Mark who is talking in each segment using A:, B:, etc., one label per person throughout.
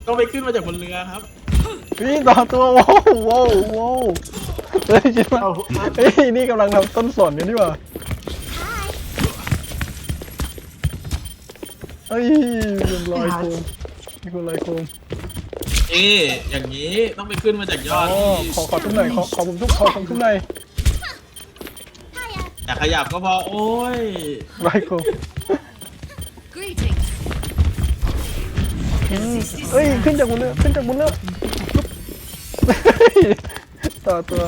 A: ต้องไปขึ้นมาจากบนเรือครับ
B: นี่ต่อตัวว้าวว้าวว้าวเฮ้ยคิดว่าเฮ้ยนี่กำลังทำต้นสนอยู่นี่หว่าเฮ้ยเป็นรอยโคมมีคนรอยโคม
A: นี่อย่างนี้ต้องไปขึ้นมาจากยอด
B: ขอทุกหน่อยขอผมทุกทุกหน่อย
A: แต่ขยับก็พอโอ้ย
B: รอยโคมเฮ้ยขึ้นจากบนเรือต่อตัว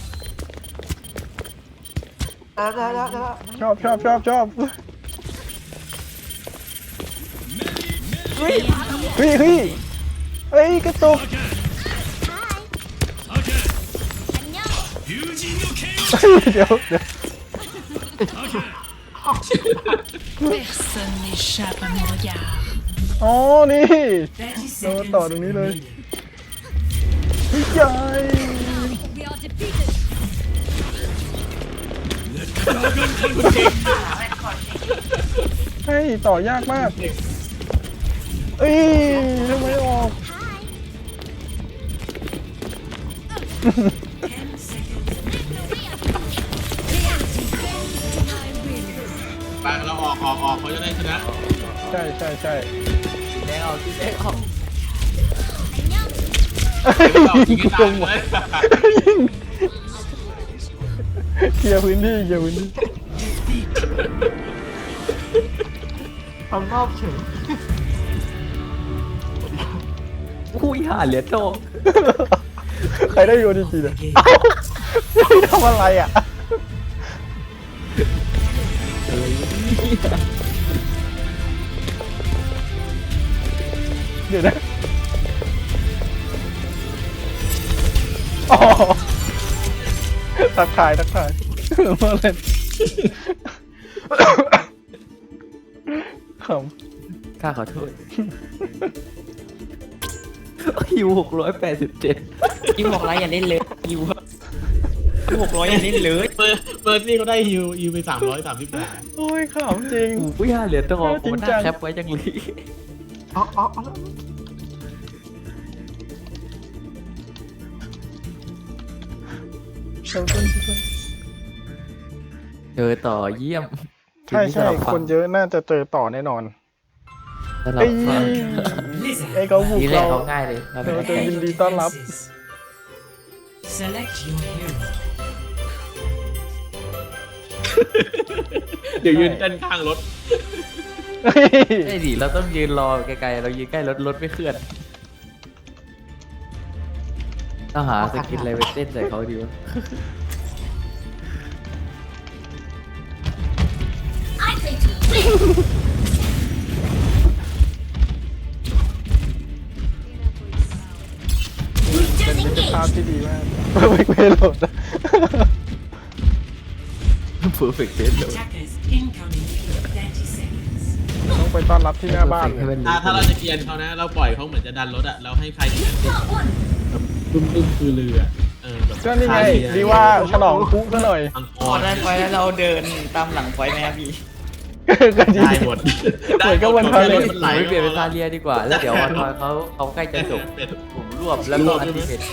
B: ชอบเฮ้ยกระตุกเดี๋ยว
C: Personne n'échappe à mon regard.
B: อ๋อนี่เราต่อตรงนี้เลยใหญ่
C: We are defeated.
B: ให้ต่อยากมากเอ้ยทำไมออก
A: ไปเราออกเขาจะได้ชนะ
B: ใช่
D: แดงออกที่แดงออก
A: เรายิงให้ตายเลย
B: เคลียร์พื้นที่
E: ทำรอบเฉย
D: อุ้ยห่าเหลือโต
B: ใครได้โยดีจีเนี่ยทำอะไรอ่ะเดี๋ยวนะทักทายมาเล่นขำ
D: ข้าขอโทษฮิว687ฮิว600อย่าเล่นเลยฮิว600อย่าเล่นเลย
A: เปิดนี่เขาได้ฮิวไป338
B: โอ้ยขำจริง
D: อุ้ยห่าเหลือโต
B: จริง
D: มัน
B: จั
D: น่าง แคปไว้จังเลย
E: เอา
D: เจอต่อเยี่ยม
B: ใช่คนเยอะน่าจะเจอต่อแน่นอน
D: สำหรับฟัง
B: ไอ้เขาบุก
D: นี่แหละ
B: เรา
D: เขาง่ายเลยเราเป็น
B: เราจะยินดีต้อนรับ
C: Select your hero.
A: เดี๋ยวยืนเต้นข้างรถ
D: ไอ้ดิเราต้องยืนรอไกลๆเรายืนใกล้รถไม่เคลื่อนต้องหาสกินอะไรไปเต้นใส่เขาดีวะ
B: เป็นมิตรภาพที่ดีมากเวกเวโหลด
D: เพอร์เฟกต์เต้นเลย
C: Attackers incoming in 30 seconds.
B: ต้องไปต้อนรับที่หน้าบ้าน
D: ให้มัน
A: ถ้าเราจะเกียนเขานะ เราปล่อยเขาเหมือนจะดันรถอะเราให้ใครเกียนแบบบึ้มคือเรือแบบ
B: ก็นี่ไงดีว่าฉลองคุกซะหน่อย
A: อังก
F: พอ
A: อร์
F: ได้ไฟแล้วเราเดินตามหลังไฟไหมครับพี่
B: ก็ดี
A: ได้หมด
B: เหมือนกับวันพาเลท
A: มันไหล
D: ไม่เปลี่ยนเป็นซาเลียดีกว่า แล้วเดี๋ยววันเขาใกล้จะจบ
A: เป็ด
D: ผมรวบแล้วก็อันติเมต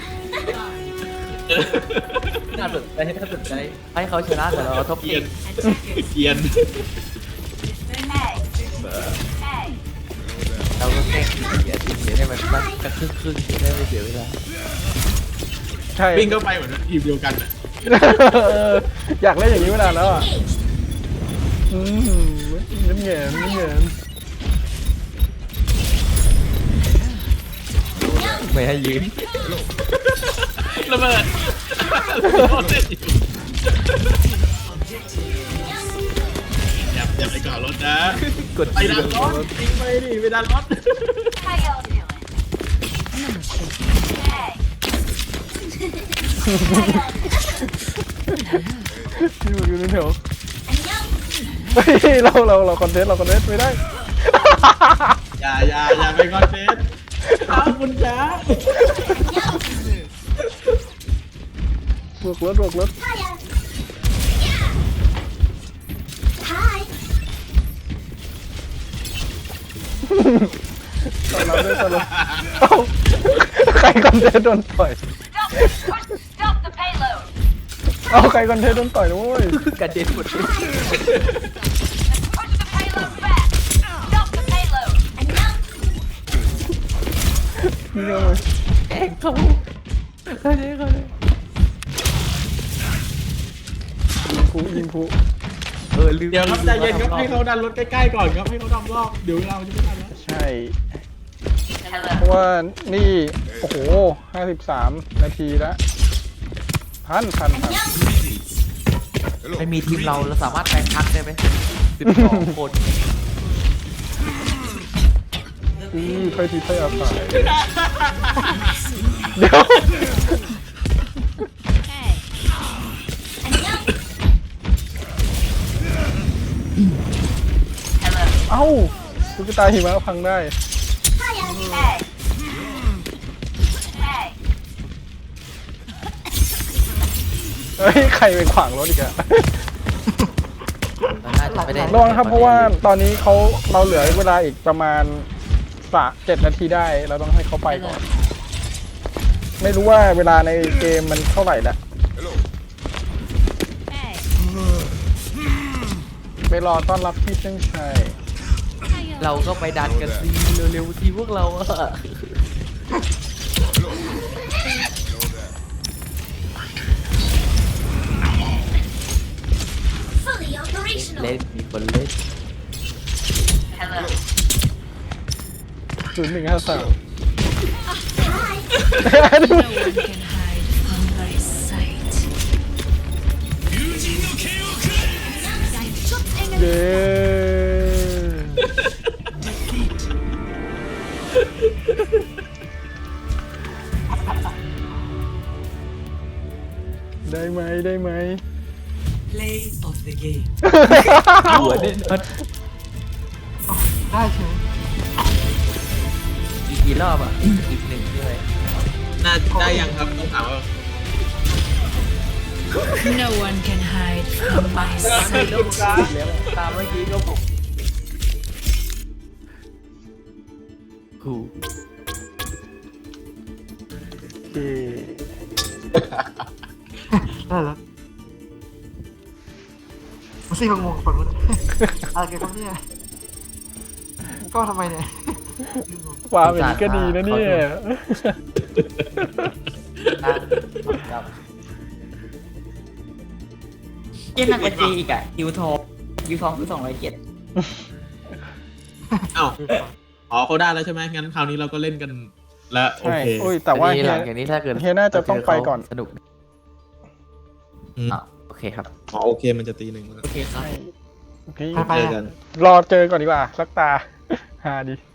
D: น่าสนใจให้เขาชนะแต่เราทบ
A: เกียน
C: Attackers
A: เกียน
D: เราก็แค่เสียให้มันสักครึ่งจะได้ไม่เสียเวลา
B: ใช่
A: วิ่งเข้าไปเหมือนทีมเดียวกันอะ
B: อยากเล่นอย่างนี้มานานแล้วอ่ะน้ำเงิน
D: ไม่ให้ยืน
A: ระเบิดอย่าไปก่อรถนะ
D: กด
A: ไปดันรถจริงไปดิไปดันรถ
B: อยู่ในแถวเฮ้ยเราคอนเทนต์ไม่ได้
A: อย่าไปคอนเทนต์ขอบคุณจ้า
B: บวกรถเราด้วยสโลว์เอ้าใครคอนเทนต์โดนต่อย
C: Stop the payload.
B: เอ้าใครคอนเทนต์โดนต่อยด้วย
D: กระเด็นหมดเลย
C: Push the payload back. Stop the payload. And now
B: นี่เลย
D: แกล้งเขาเขาเลยเขาเลย
B: ยิงผู้
D: ลืม
A: เดี๋ยวครับใจเย็นครับให้เขาดันรถใกล้ๆก่อนครับให้เขาดันรอบเดี๋ยวเราจะไม่ทันแล้ว
B: ใช่เพราะว่านี่โอ้โห53 นาทีแล้วพัน
D: ไม่มีทีมเราสามารถแปลงพักได้ไหม12 คน
B: ใครทีใครอาศัยเดี๋ยว
C: hey. And now
B: เอ้าตุ๊กตาหิมะพังได้
C: hey. Hey.
B: เฮ้ยใครไปขวางรถอีกอะ
D: น่าจะไม่ได้
B: ระวังครับเพราะว่าตอนนี้เราเหลือเวลาอีกประมาณ7 นาทีได้เราต้องให้เขาไปก่อน ไม่รู้ว่าเวลาในเกมมันเท่าไหร่ละ
C: Hey.
B: ไปรอต้อนรับพี่เส้นชัย
D: เราก็ไปดันกันสิเร็วๆทีพวกเราอะ
C: Fully operational.
D: เล่นมีคนเล่น
C: Hello.
B: 0153
C: No one can hide from my sight.
B: เย้ได้ไหม
C: Play of the game.
D: หัวเด่นมัน
E: ได้เฉย
D: อีกกี่รอบอ่ะ อีกหนึ่งด้วย
A: น่าได้ยังครับต้องถามว่า
C: No one can hide from my sight.
D: แล้วตามเมื่อกี้ก็ผมกู
B: โอเค
E: ได้แล้วมาซี่งงๆฝั่งนู้นอะไรกันครับเนี่ยก็ทำไมเนี่ย
B: วางอย่างนี้ก็ดีนะเนี่ย
D: ครับเย็นหนักกว่าจีอีกอ่ะยูทองคือ207
A: เอ้าอ๋อเขาได้แล้วใช่ไหมงั้นคราวนี้เราก็เล่นกันแล้วโอ
B: ใช่
A: เค
B: โอ้ยแต่ว่า
D: อันนี้
B: เฮี
D: ห
B: ย
D: ลังจากนี้ถ้าเกิด
B: เฮียน่าจะต้องไปก่อน
D: สนุก
A: อืม
D: อ่ะโอเคครับ
A: อ๋อโอเคมันจะตีหนึ่งแล้ว
D: โอเคครับ
B: โอเค
E: ไป
A: เจอ
E: ๆ
A: กัน
B: รอเจอก่อนดีกว่าสักตา ฮาดี